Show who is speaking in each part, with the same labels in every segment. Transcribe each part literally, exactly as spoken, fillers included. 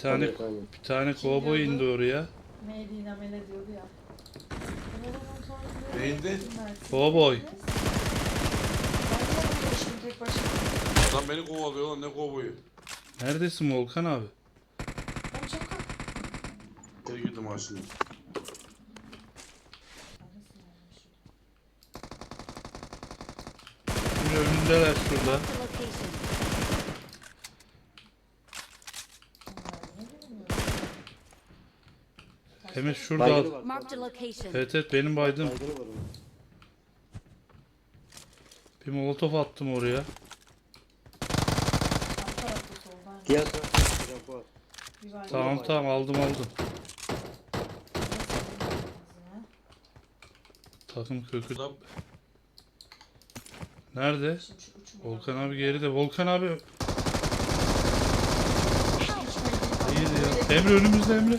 Speaker 1: tane
Speaker 2: Tabii, tabii.
Speaker 1: bir tane kovboy
Speaker 3: diyordu?
Speaker 1: indi oraya.
Speaker 3: Neydi namele diyordu ya.
Speaker 4: Neydi?
Speaker 1: Kovboy.
Speaker 3: Ben de yapmıştım tek başıma.
Speaker 4: Adam beni kovalıyor lan, ne kovboyu.
Speaker 1: Neredesin Volkan abi?
Speaker 3: Ben çok kalk.
Speaker 4: Geri girdim ha şimdi.
Speaker 1: Şimdi önündeler şurada.
Speaker 5: The location.
Speaker 1: Hemen şurada.
Speaker 2: Baygını var.
Speaker 5: Marked a location.
Speaker 1: Evet evet benim baydım.
Speaker 2: Baygını var onun.
Speaker 1: Bir molotof attım oraya.
Speaker 3: Alt tarafta soldan.
Speaker 2: Diğer tarafta tarafı var.
Speaker 3: Bir var.
Speaker 1: Tamam tamam aldım aldım. Takım kökü.
Speaker 4: Adam
Speaker 1: Nerede?
Speaker 3: Şimdi şu uçum
Speaker 1: Volkan abi geride. Volkan abi iyiydi ya. Emre önümüzde Emre.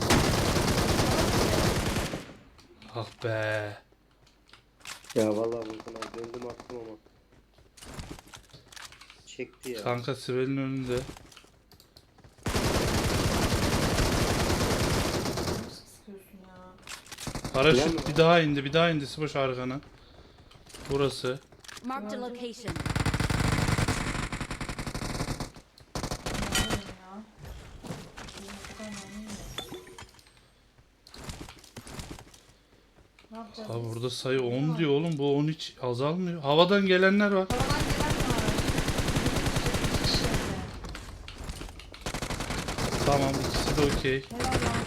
Speaker 1: Ah be.
Speaker 2: Ya vallahi Volkan abi döndüm attım ama. Çekti ya.
Speaker 1: Kanka Sibel'in önünde.
Speaker 3: sıkıyorsun ya.
Speaker 1: Paraşüt bir daha indi. Bir daha indi Siboş arkana. Burası.
Speaker 5: Marked a location.
Speaker 3: Anlamıyorum ya. Benim o kadar anlamıyorum. Ne yapacağız?
Speaker 1: Abi
Speaker 3: biz?
Speaker 1: burada sayı on diyor oğlum. Bu on hiç azalmıyor. Havadan gelenler var.
Speaker 3: Havadan gelen var. İki kişi evde.
Speaker 1: Tamam ikisi de okey.
Speaker 3: Helal lan.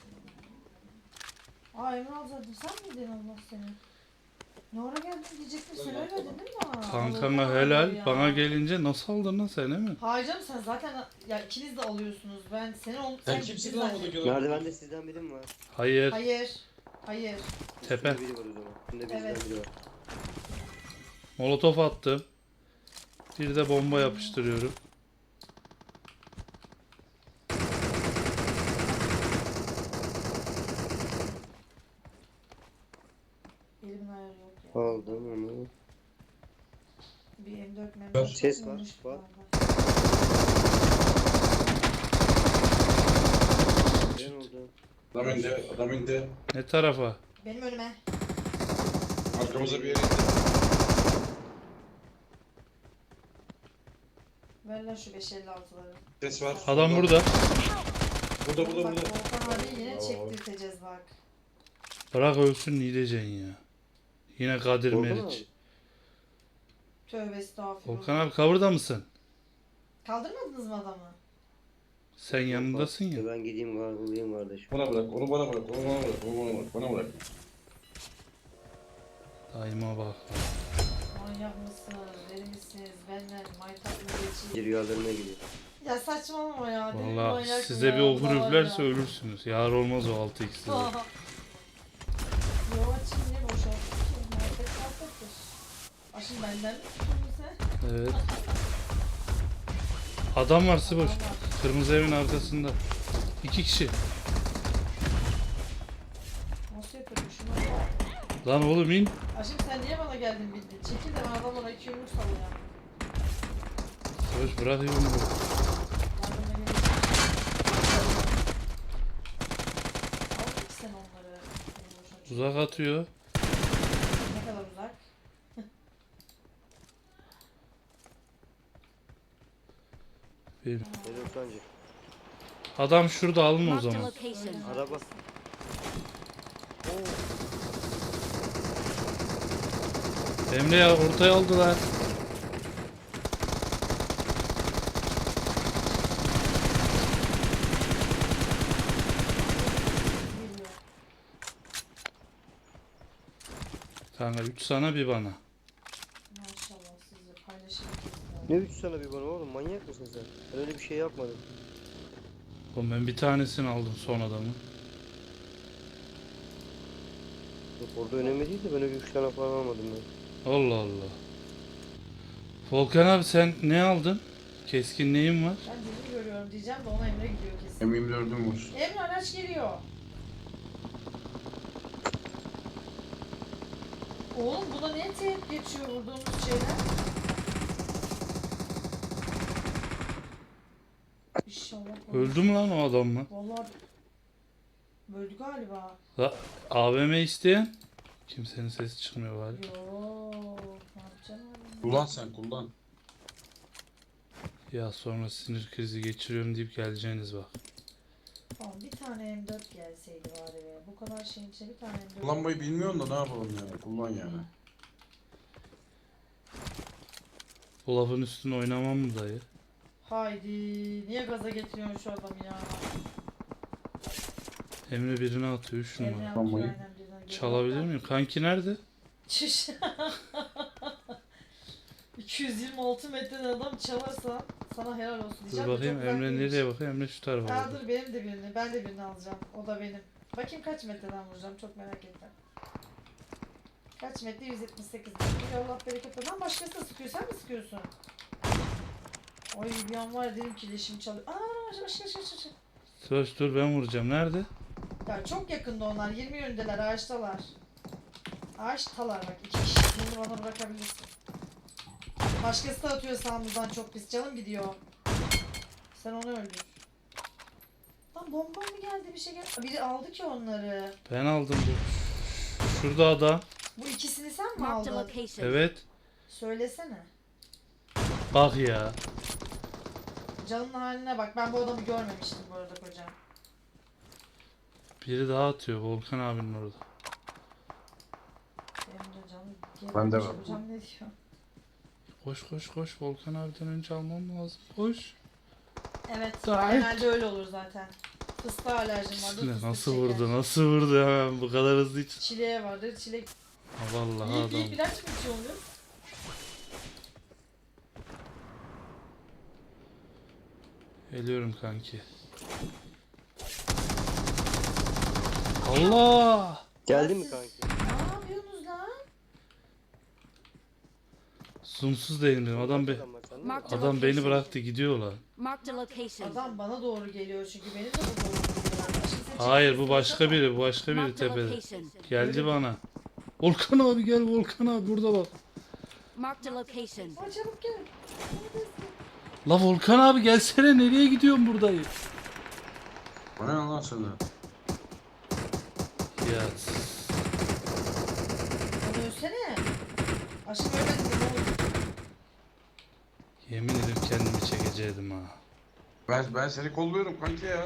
Speaker 3: Aa Emre alacaktın sen miydin Allah seni? Ne ara geldin diyecektim sen öyle dedin mi?
Speaker 1: Kankana
Speaker 3: Allah'ım
Speaker 1: helal.
Speaker 3: ya.
Speaker 1: Bana gelince nasıl aldın lan sen mi?
Speaker 3: Hayır canım sen zaten ya ikiniz de alıyorsunuz. Ben seni ol
Speaker 4: sen
Speaker 3: sen
Speaker 4: kimsin
Speaker 3: gittin
Speaker 4: lan
Speaker 3: zaten.
Speaker 4: buradaki adam?
Speaker 2: Merdivende sizden biri mi var?
Speaker 1: Hayır.
Speaker 3: Hayır. Hayır.
Speaker 1: Tepe.
Speaker 2: Üstünde biri var o zaman. Üstünde bizden
Speaker 3: Evet.
Speaker 2: biri var.
Speaker 1: Molotof attım. Bir de bomba yapıştırıyorum.
Speaker 3: Elimin ayarı yok ya.
Speaker 2: Aldım onu.
Speaker 3: Bir M dört
Speaker 4: Ver.
Speaker 3: memnun.
Speaker 2: Ses var, var. Ne oldu?
Speaker 4: Adam indi, adam indi.
Speaker 1: Ne tarafa?
Speaker 3: Benim önüme.
Speaker 4: Arkamıza bir yere indi.
Speaker 3: Ver lan şu beş elli altıları.
Speaker 4: Ses var.
Speaker 1: Adam burada.
Speaker 4: Burada, burada,
Speaker 3: Bak
Speaker 4: burada.
Speaker 3: Volkan abi yine
Speaker 4: Bravo.
Speaker 3: çektirteceğiz bak.
Speaker 1: Bırak ölsün ne diyeceksin ya. Yine Kadir
Speaker 2: Volkan
Speaker 1: Meriç.
Speaker 2: abi.
Speaker 3: Tövbe estağfurullah.
Speaker 1: Volkan abi cover'da mısın?
Speaker 3: Kaldırmadınız mı adamı?
Speaker 1: Sen yanındasın ya.
Speaker 2: Ben gideyim gargılayayım kardeşim.
Speaker 4: Bana bırak, onu bana bırak, onu bana bırak, onu bana bırak, bana bırak.
Speaker 1: Daima bak.
Speaker 3: Manyak mısınız? Deli misiniz? Benden maytap mı geçeyim?
Speaker 2: Bir rüyalarına gidiyor.
Speaker 3: Ya saçmalama ya. Deli
Speaker 1: Valla
Speaker 3: manyak
Speaker 1: size
Speaker 3: ya,
Speaker 1: bir okur
Speaker 3: Allah
Speaker 1: üflerse
Speaker 3: ya.
Speaker 1: ölürsünüz. Yar olmaz o altı x size.
Speaker 3: Yo açayım niye boşalttın ki? Muhabbet muhabbettir. Aşın benden mi tuttun sen?
Speaker 1: Evet. Adam var Siboş.
Speaker 3: Adam var.
Speaker 1: Kırmızı evin arkasında. İki kişi.
Speaker 3: Nasıl yapıyordum şunu?
Speaker 1: Lan oğlum in.
Speaker 3: Aşkım sen niye bana geldin bildin? Çekil de ben adamlara iki yumruk sallayayım.
Speaker 1: Siboş bırak yumruğu.
Speaker 3: Yardıma gelin. Aldın ki sen onları. Benim boşuna çık-
Speaker 1: Uzak atıyor.
Speaker 3: Ne kadar uzak?
Speaker 1: Bir.
Speaker 2: Nedir sancı?
Speaker 1: Adam şurada alın o
Speaker 5: Marked a
Speaker 1: zaman.
Speaker 5: location.
Speaker 2: Araba.
Speaker 1: Emre ya ortaya aldılar.
Speaker 3: Geliyor.
Speaker 1: Kanka üç sana bir bana.
Speaker 3: Maşallah sizi paylaşırız.
Speaker 2: Ne üç sana bir bana oğlum, manyak mısın sen? Ben öyle bir şey yapmadım.
Speaker 1: Oğlum ben bir tanesini aldım son adamı.
Speaker 2: Yok orada önemli değil de ben öyle üç tane falan almadım ben.
Speaker 1: Allah Allah. Volkan abi sen ne aldın? Keskin neyin var?
Speaker 3: Ben birini görüyorum diyeceğim de ona Emre gidiyor kesin.
Speaker 4: M yirmi dördüm var.
Speaker 3: Emre araç geliyor. Oğlum buna niye teyip geçiyor vurduğumuz şeyler? İnşallah.
Speaker 1: Öldü mü lan o adam mı?
Speaker 3: Vallahi öldü galiba.
Speaker 1: La, A V M isteyen? Kimsenin sesi çıkmıyor bari.
Speaker 3: Yo, ne yapacağım abi?
Speaker 4: Kullan sen kullan.
Speaker 1: Ya sonra sinir krizi geçiriyorum deyip geleceğiniz bak.
Speaker 3: Tamam, bir tane M dört gelseydi bari be. Bu kadar şeyin içine bir tane M dört.
Speaker 4: Kullanmayı bilmiyorsun da ne yapalım yani. Kullan yani.
Speaker 1: Bu lafın üstüne oynamam mı dayı?
Speaker 3: Haydi, niye gaza getiriyorsun şu adamı ya?
Speaker 1: Emre birine atıyor üç
Speaker 3: Emre
Speaker 1: numara.
Speaker 3: yapıyor
Speaker 4: Tamam.
Speaker 3: aynen birden.
Speaker 1: Çalabilir miyim? Kanki nerede?
Speaker 3: Çüş. iki yüz yirmi altı metreden adam çalarsa sana helal olsun
Speaker 1: Dur
Speaker 3: diyeceğim de
Speaker 1: bakayım
Speaker 3: çok uzak
Speaker 1: Emre
Speaker 3: değilmiş.
Speaker 1: nereye bakayım? Emre şu tarafa
Speaker 3: Aa,
Speaker 1: bakıyor.
Speaker 3: dur benim de birini, ben de birini alacağım. O da benim. Bakayım kaç metreden vuracağım, çok merak ettim. Kaç metre? yüz yetmiş sekiz metre. Allah bereket versin. Lan başkası da sıkıyor, sen mi sıkıyorsun? Ay bir an var ya, dedim ki leşim çalıyor. Aa başka başka başka başka.
Speaker 1: Söz dur ben vuracağım. Nerede?
Speaker 3: Ya çok yakında onlar, yirmi yönündeler, ağaçtalar. Ağaçtalar bak, iki kişi. Bunu bana bırakabilirsin. Başkası da atıyor sağımızdan, çok pis. Canım gidiyor. Sen onu öldür. Lan bomba mı geldi, bir şey geldi. Biri aldı ki onları.
Speaker 1: Ben aldım bu. Şurada adam.
Speaker 3: Bu ikisini sen mi
Speaker 5: Marked a
Speaker 3: aldın?
Speaker 5: location.
Speaker 1: Evet.
Speaker 3: Söylesene.
Speaker 1: Bak ya.
Speaker 3: Canın haline bak. Ben bu adamı görmemiştim bu arada kocam.
Speaker 1: Biri daha atıyor. Volkan abinin orada.
Speaker 3: Benim de canım.
Speaker 4: Ben de
Speaker 3: gebermiş.
Speaker 4: var.
Speaker 3: Hocam ne diyor?
Speaker 1: Koş koş koş. Volkan abiden önce almam lazım. Koş.
Speaker 3: Evet.
Speaker 1: Gayet.
Speaker 3: Genelde öyle olur zaten. Fıstığa alerjim vardır.
Speaker 1: Ne,
Speaker 3: fıstık
Speaker 1: nasıl
Speaker 3: şeker.
Speaker 1: vurdu? Nasıl vurdu hemen bu kadar hızlı hiç.
Speaker 3: Çileğe vardır. Çilek.
Speaker 1: Ha, vallahi
Speaker 3: İlk, ilk
Speaker 1: adam.
Speaker 3: ilaç mı içiyorsun?
Speaker 1: Geliyorum kanki. Allah!
Speaker 2: Geldi
Speaker 3: Ya
Speaker 2: mi
Speaker 3: siz-
Speaker 2: kanki?
Speaker 3: Ne yapıyorsunuz lan?
Speaker 1: Zoomsuz değilim dedim. Adam, be
Speaker 2: Adam var, sen de mi?
Speaker 5: Mark-
Speaker 1: adam beni bıraktı gidiyor lan.
Speaker 5: Marked a location.
Speaker 3: Adam bana doğru geliyor çünkü benim de bu doğru geliyor. Şimdi sen
Speaker 1: Hayır
Speaker 3: çekilirsin,
Speaker 1: bu başka
Speaker 3: baksana.
Speaker 1: biri. Bu başka biri
Speaker 5: Marked a
Speaker 1: tepede.
Speaker 5: location.
Speaker 1: Geldi bana. Volkan abi gel Volkan abi burada bak.
Speaker 5: Marked a location.
Speaker 3: Aa, çabuk gel. Neredesin?
Speaker 1: La Volkan abi gelsene nereye gidiyorsun buradayım?
Speaker 4: O ne lan sana?
Speaker 1: Ya
Speaker 3: Hadi ölsene. Aşkım ölmedin mi? Ne olur?
Speaker 1: yemin ederim kendimi çekeceydim ha.
Speaker 4: Ben ben seni kolluyorum kanki ya.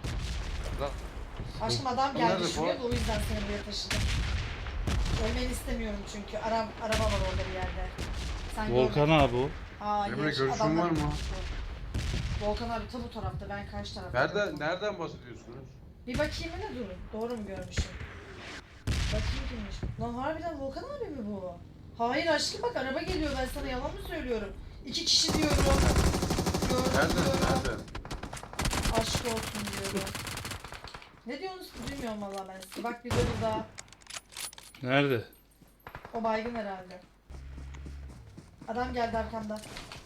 Speaker 3: Aşkım adam
Speaker 4: O
Speaker 3: geldi
Speaker 4: nerede
Speaker 3: şuraya
Speaker 4: bu?
Speaker 3: da o yüzden seni buraya taşıdım. Ölmeni istemiyorum çünkü. Ara, araba var orada bir yerde. Sen
Speaker 1: Volkan
Speaker 3: görme.
Speaker 1: abi o.
Speaker 3: Hayır,
Speaker 4: Emre, görüşün
Speaker 3: adamlar-
Speaker 4: var mı?
Speaker 3: Volkan abi tam bu tarafta, ben karşı tarafta.
Speaker 4: Nereden nereden bahsediyorsunuz?
Speaker 3: Bir bakayım ne durun. Doğru mu görmüşüm? Bakayım kimmiş? Lan harbiden Volkan abi mi bu? Hayır aşkım bak, araba geliyor, ben sana yalan mı söylüyorum? İki kişi diyorum. Gördüm
Speaker 4: Nereden
Speaker 3: diyorum.
Speaker 4: nereden?
Speaker 3: Aşk olsun diyorum. Ne diyorsunuz ki bilmiyorum valla ben size. Bak bir de burada.
Speaker 1: Nerede?
Speaker 3: O baygın herhalde. Adam geldi arkamda.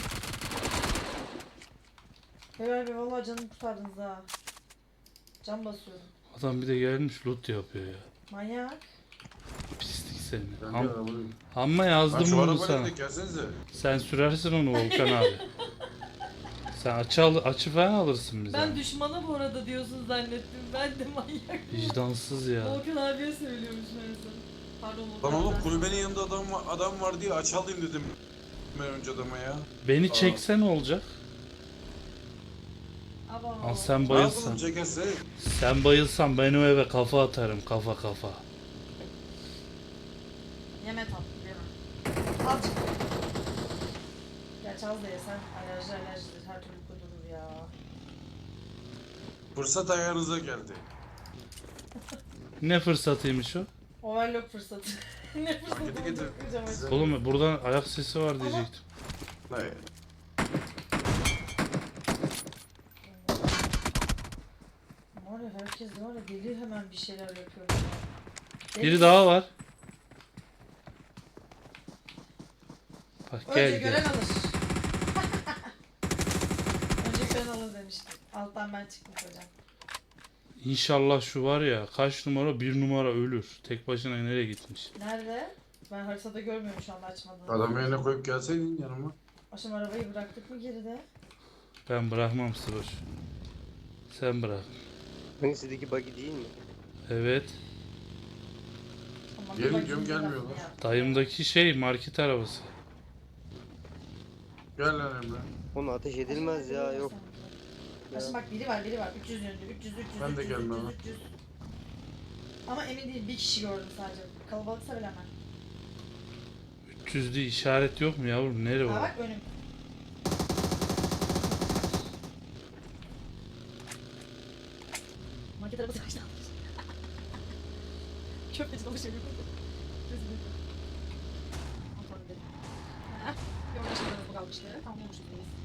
Speaker 3: Beyler bey valla canımı kurtardınız ha. Can basıyorum.
Speaker 1: Adam bir de gelmiş loot yapıyor ya.
Speaker 3: Manyak.
Speaker 1: Pislik seni.
Speaker 4: Ben de
Speaker 1: Am
Speaker 4: arabayım.
Speaker 1: Amma
Speaker 4: Lan
Speaker 1: yazdım
Speaker 4: şu
Speaker 1: bunu
Speaker 4: arabayla
Speaker 1: sana.
Speaker 4: da gelsenize.
Speaker 1: Sen sürersin onu Volkan abi. Sen açı, al açı falan alırsın bize.
Speaker 3: Ben düşmana bu arada diyorsun zannettim. Ben de manyak.
Speaker 1: Vicdansız ya.
Speaker 3: Volkan abiye söylüyormuş meğerse. Pardon Volkan
Speaker 4: Lan oğlum
Speaker 3: abi.
Speaker 4: kulübenin yanında adam var, adam var diye aç alayım dedim. Ben önce adama ya.
Speaker 1: Beni
Speaker 4: Aa.
Speaker 1: çekse ne olacak?
Speaker 3: Aba.
Speaker 1: Al sen
Speaker 4: Ne
Speaker 1: bayılsan.
Speaker 4: yapalım çekerse?
Speaker 1: Sen bayılsan ben o eve kafa atarım kafa kafa.
Speaker 3: Yeme tatlı yeme. Azıcık. Gerçi az da yesen alerji alerjidir, her türlü kudurur ya.
Speaker 4: Fırsat ayağınıza geldi.
Speaker 1: Ne fırsatıymış o?
Speaker 3: Overlock fırsatı. Ne fırsatı
Speaker 4: Getir, getir.
Speaker 3: olacak hocam
Speaker 4: Size-
Speaker 3: acaba?
Speaker 1: Oğlum buradan ayak sesi var diyecektim.
Speaker 4: Hayır.
Speaker 3: Var ya, herkes var ya, deli hemen bir şeyler yapıyor. ya. Deli.
Speaker 1: Biri daha var. Bak
Speaker 3: Önce
Speaker 1: gel
Speaker 3: gören
Speaker 1: gel.
Speaker 3: alır. Önce gören alır demiştim. Alttan ben çıktım hocam.
Speaker 1: İnşallah şu var ya kaç numara bir numara ölür. Tek başına nereye gitmiş?
Speaker 3: Nerede? Ben haritada görmüyorum şu anda, açmadım.
Speaker 4: Adamı yerine koyup gelseydin yanıma.
Speaker 3: Aşım arabayı bıraktık mı geride?
Speaker 1: Ben bırakmam Sıroş. Sen bırak.
Speaker 2: Hangisizdeki buggy değil mi?
Speaker 1: Evet.
Speaker 3: Ama
Speaker 4: Gelin
Speaker 3: bir
Speaker 4: diyorum,
Speaker 3: bakayım
Speaker 4: gelmiyorlar.
Speaker 3: tarafına ya.
Speaker 1: Dayımdaki şey market arabası.
Speaker 4: Gel lan Emre.
Speaker 2: Onu ateş edilmez ya, yok.
Speaker 3: Aşkım bak biri var biri var. üç yüz yönlü. üç yüz üç yüz
Speaker 4: Ben de
Speaker 3: üç yüz,
Speaker 4: gelmem
Speaker 3: üç yüz,
Speaker 4: ha.
Speaker 3: üç yüz. Ama emin değilim, bir kişi gördüm sadece. Kalabalıksa bilemem.
Speaker 1: üç yüzlü işaret yok mu yavrum? Nere
Speaker 3: Ha
Speaker 1: o?
Speaker 3: bak önüm. Market arabası kaçtı almış. Köfteci dolaşıyor. Kontrol edelim. Heh, bir orada şeyler bu kalmıştı. Tamam olmuştu.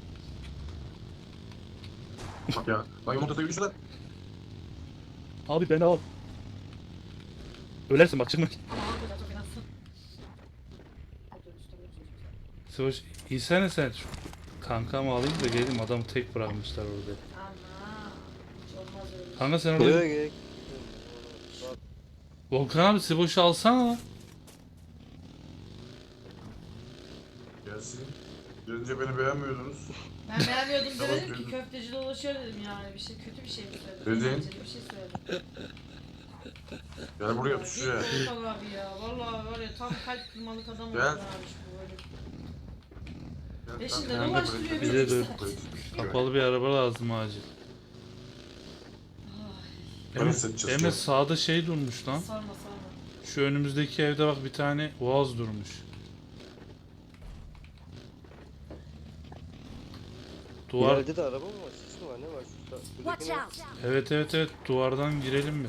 Speaker 4: Bak ya. Lan yolun ortasına yürüyüşler.
Speaker 1: Abi beni al. Ölersin bak çıkma.
Speaker 3: Ama hocam çok fenasın. Oturuyoruz, oturuyoruz, oturuyoruz.
Speaker 1: Sıvoş insene sen. Şu kankamı alayım da geleyim, adamı tek bırakmışlar orada.
Speaker 3: Ama hiç olmaz öyle.
Speaker 1: Kanka sen orada...
Speaker 2: Buraya gerek. Bak,
Speaker 1: Volkan abi Sıvoş'u alsana lan.
Speaker 4: Gelsin. Gelince beni beğenmiyordunuz.
Speaker 3: Ben beğenmiyordum
Speaker 4: Tamam,
Speaker 3: demedim ki,
Speaker 4: duydum.
Speaker 3: köfteci dolaşıyor dedim yani, bir şey kötü bir şey mi söyledim?
Speaker 4: Dedin.
Speaker 3: Eğlenceli bir şey söyledim.
Speaker 4: Gel buraya
Speaker 3: Ya,
Speaker 4: tut
Speaker 3: git
Speaker 4: şuraya.
Speaker 3: Volkan abi ya, vallahi var ya tam kalp kırmalık adam oldu
Speaker 4: Gel.
Speaker 3: abi şu böyle.
Speaker 4: Gel,
Speaker 3: Peşinde
Speaker 4: ben- ben de
Speaker 3: dolaştırıyor
Speaker 4: buraya-
Speaker 3: bizi
Speaker 1: Bize
Speaker 3: işte.
Speaker 1: de kapalı bir araba lazım acil.
Speaker 4: Ben
Speaker 1: Emre,
Speaker 4: hissedeceğiz,
Speaker 1: Emre
Speaker 4: gel.
Speaker 1: sağda şey durmuş lan.
Speaker 3: Sarma sarma.
Speaker 1: Şu önümüzdeki evde bak bir tane Boğaz durmuş. Duvar.
Speaker 2: ileride de araba mı var? Sis mi var? Ne var? Şurada,
Speaker 5: Watch
Speaker 2: şuradaki ne?
Speaker 5: out!
Speaker 1: Evet evet evet, duvardan girelim mi?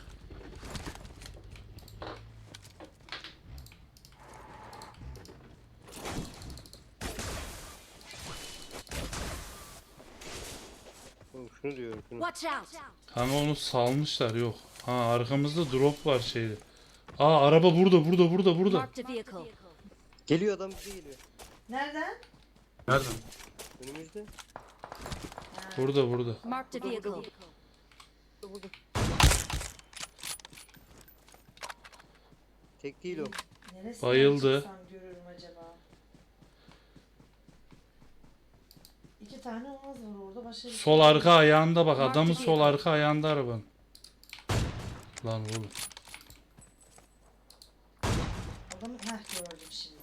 Speaker 2: Oğlum şunu diyorum, şunu.
Speaker 5: Watch out!
Speaker 1: Kanka onu salmışlar, yok. Ha arkamızda drop var şeyde. Aa araba burada burada burada burada.
Speaker 5: Marked a vehicle.
Speaker 2: Geliyor, adam bize geliyor.
Speaker 3: Nereden?
Speaker 4: Nereden?
Speaker 2: Önümüzde.
Speaker 1: Burada burada.
Speaker 5: Marked a vehicle.
Speaker 2: Burada, burada. Tek değil o.
Speaker 3: Neresinden
Speaker 1: Bayıldı.
Speaker 3: çıksam görürüm acaba? İki tane olmaz var orada, başka bir
Speaker 1: Sol
Speaker 3: şey
Speaker 1: arka
Speaker 3: yok.
Speaker 1: ayağında bak,
Speaker 5: Marked
Speaker 1: adamın
Speaker 5: vehicle.
Speaker 1: sol arka ayağında arabanın. Lan oğlum.
Speaker 3: Adamı heh gördüm şimdi.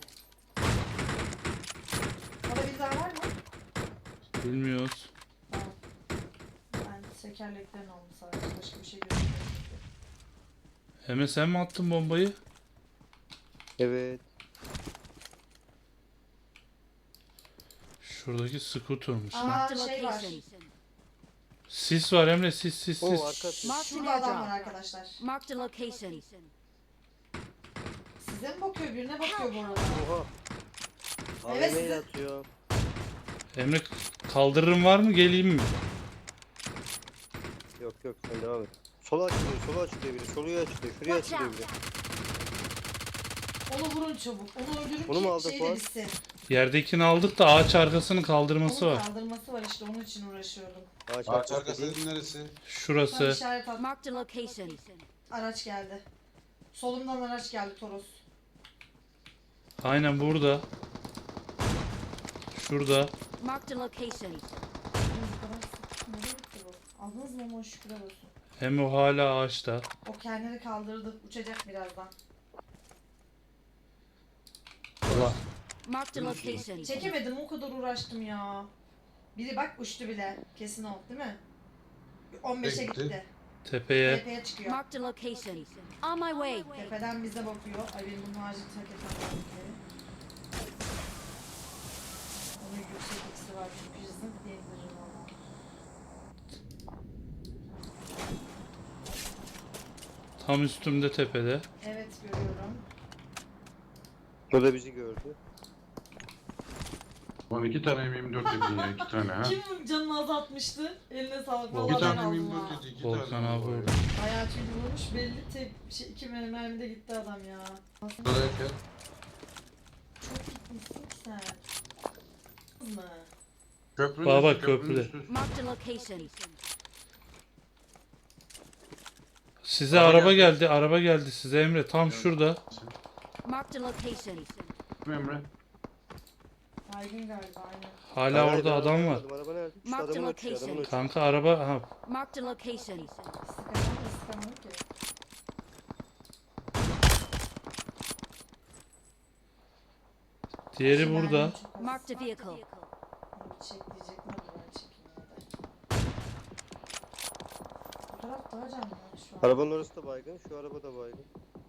Speaker 3: Orada bir daha var mı?
Speaker 1: Bilmiyoruz.
Speaker 3: Tamam. Ben tekerleklerini aldım sadece, başka bir şey görmedim.
Speaker 1: Emre sen mi attın bombayı?
Speaker 2: Evet.
Speaker 1: Şuradaki scooter'muş lan.
Speaker 3: Aa
Speaker 5: Marked a
Speaker 3: şey var.
Speaker 5: location.
Speaker 1: Sis var Emre, sis sis
Speaker 2: O
Speaker 1: sis.
Speaker 2: arkası.
Speaker 5: Marked an
Speaker 3: Şurada adam var
Speaker 5: airdrop.
Speaker 3: arkadaşlar.
Speaker 5: Marked a location.
Speaker 3: Size mi bakıyor, birine bakıyor bu arada.
Speaker 2: Oha.
Speaker 3: Evet,
Speaker 2: A V M 'yle
Speaker 3: sizi-
Speaker 2: atıyor.
Speaker 1: Emre kaldırırım var mı, geleyim mi?
Speaker 2: Yok yok, sen devam et. Sola açılıyor, sola açılıyor biri. Soluya açılıyor, şuraya
Speaker 5: Watch
Speaker 2: açılıyor
Speaker 5: out!
Speaker 2: biri.
Speaker 3: Onu vurun çabuk. Onu öldürün
Speaker 2: Onu mu
Speaker 3: ki
Speaker 2: aldı
Speaker 3: şey de
Speaker 2: Fuat?
Speaker 3: bitsin.
Speaker 1: Yerdekini aldık da ağaç arkasının kaldırması
Speaker 3: Onun
Speaker 1: var.
Speaker 3: kaldırması var işte, onun için uğraşıyordum.
Speaker 2: Ağaç
Speaker 4: Ağaç
Speaker 2: arkası
Speaker 4: arkası
Speaker 2: değil.
Speaker 4: dediğin neresi?
Speaker 3: Tam
Speaker 1: Şurası.
Speaker 3: işaret at.
Speaker 5: Marked a location.
Speaker 3: Araç geldi. Solumdan araç geldi, Toros.
Speaker 1: Aynen burada. Şurada.
Speaker 5: Marked a location.
Speaker 3: Nereye gitti bu? Aldınız mı onu, şükürler olsun.
Speaker 1: Hem o hala ağaçta.
Speaker 3: O kendini kaldırdı, uçacak birazdan.
Speaker 1: Allah.
Speaker 5: Marked a location.
Speaker 3: Çekemedim, o kadar uğraştım ya. Biri bak uçtu bile. Kesin o değil mi? on beşe
Speaker 4: Gitti.
Speaker 3: gitti.
Speaker 1: Tepeye.
Speaker 3: Tepeye çıkıyor.
Speaker 5: Marked a location. On my way.
Speaker 3: Tepeden bize bakıyor. Ay benim bunun acil terk etmem lazım. Onun yüksek ikisi var çünkü hızlı diyebilirim ona.
Speaker 1: Tam üstümde tepede.
Speaker 3: Evet görüyorum.
Speaker 2: O da bizi gördü.
Speaker 4: Lan iki tane M yirmi dört dedin ya, iki tane ha.
Speaker 3: Kim canını azaltmıştı? Eline sağlık.
Speaker 1: Bir
Speaker 3: Vallahi
Speaker 4: İki
Speaker 3: ben
Speaker 4: tane M
Speaker 3: aldım
Speaker 4: yirmi
Speaker 3: ha.
Speaker 4: dört dedi, iki
Speaker 1: Volkan
Speaker 4: tane.
Speaker 1: abi
Speaker 4: var ya.
Speaker 1: orada.
Speaker 3: Bayağı çünkü vurmuş belli, tek şey, iki mermi de gitti adam ya. Aslında
Speaker 4: Buradayken
Speaker 3: çok gitmişsin ki sen. Kız mı?
Speaker 4: köprünün
Speaker 1: Baba,
Speaker 4: üstü, köprünün
Speaker 1: köprüde.
Speaker 4: üstü.
Speaker 5: Marked a location.
Speaker 1: Size
Speaker 4: Araba
Speaker 1: araba
Speaker 4: geldi.
Speaker 1: geldi. Araba geldi size Emre. Tam şurada.
Speaker 5: Marked a location.
Speaker 4: Emre.
Speaker 3: Baygın galiba aynen.
Speaker 1: Hala
Speaker 2: Hayır,
Speaker 1: orada
Speaker 2: ben
Speaker 1: adam var.
Speaker 2: araba Araba nerede? Şu
Speaker 5: Marked
Speaker 2: adamın uçuyor,
Speaker 5: location.
Speaker 2: adamın uçuyor.
Speaker 1: Kanka araba ha
Speaker 5: Marked a location.
Speaker 3: Sıkamadım da sıkamadım ki.
Speaker 1: diğeri
Speaker 3: Şu
Speaker 1: burada.
Speaker 3: mermim çok az.
Speaker 5: Marked a vehicle.
Speaker 3: Bir çek diyecektim ama ben çekeyim ya da. Bu taraf daha canlı şu an.
Speaker 2: Arabanın orası da baygın, şu araba da baygın.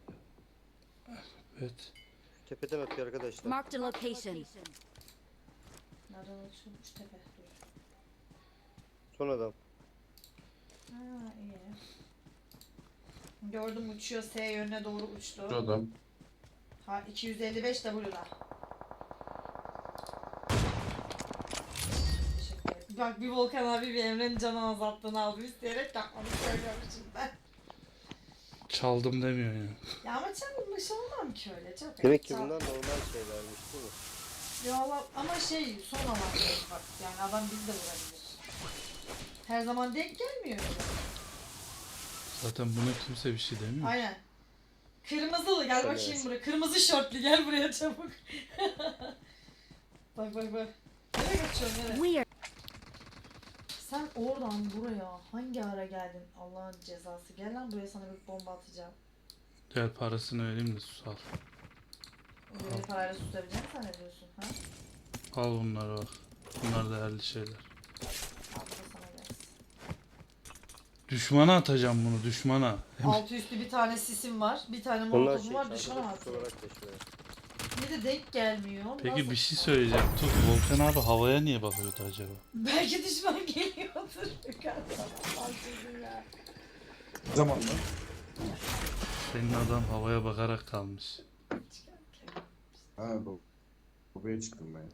Speaker 1: Evet.
Speaker 2: Tepeden atıyor arkadaşlar.
Speaker 5: Marked a location.
Speaker 3: Nereden açılmış tepe? Dur.
Speaker 2: Son adam.
Speaker 3: Ha iyi. Gördüm uçuyor, S yönüne doğru uçtu.
Speaker 4: Şu adam.
Speaker 3: Ha iki yüz elli beş W'da. Teşekkür ederim. Bak bir Volkan abi bir Emre'nin canı azalttığını aldı isteyerek yapmanı söylüyormuşum ben.
Speaker 1: Çaldım demiyor ya.
Speaker 3: Ya ama çalınmış olmam ki öyle çok.
Speaker 2: Demek ki
Speaker 3: Çal-
Speaker 2: bunlar normal şeylermiş değil mi?
Speaker 3: Ya Allah ama şey son avantajı bak yani adam bizi de vurabilir. Her zaman denk gelmiyor öyle.
Speaker 1: Zaten buna kimse bir şey demiyor.
Speaker 3: Aynen. Kırmızılı gel
Speaker 2: Tabii.
Speaker 3: bakayım buraya. Kırmızı şortlu gel buraya çabuk. Bak bak bak. Nereye kaçıyorsun nereye?
Speaker 5: We are
Speaker 3: Sen oradan buraya hangi ara geldin? Allah'ın cezası. Gel lan buraya sana bir bomba atacağım.
Speaker 1: Gel parasını vereyim de sus al.
Speaker 3: Öyle bir parayla tutabileceğini zannediyorsun ha?
Speaker 1: Al bunları bak. Bunlar değerli şeyler.
Speaker 3: Al bu da sana gelsin.
Speaker 1: Düşmana atacağım bunu düşmana.
Speaker 3: Altı üstü bir tane sisim var. Bir tane
Speaker 2: Onlar
Speaker 3: molotofum
Speaker 2: şey,
Speaker 3: var. Düşmana
Speaker 2: arkadaş
Speaker 3: atıyor.
Speaker 2: olarak geçiyor.
Speaker 3: Bir de denk gelmiyor.
Speaker 1: Peki
Speaker 3: Nasıl?
Speaker 1: bir şey söyleyeceğim. Tut Volkan abi havaya niye bakıyordu acaba?
Speaker 3: Belki düşman geliyordur. Yukarıdan. Al çocuğum ya.
Speaker 4: Zaman mı?
Speaker 1: Senin adam havaya bakarak kalmış.
Speaker 4: Ha bu. Buraya çıktım ben.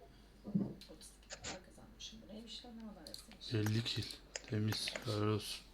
Speaker 3: otuz iki para kazanmışım. Bu neymiş lan ne kadar yazmış.
Speaker 1: elli kill. Temiz. Helal olsun.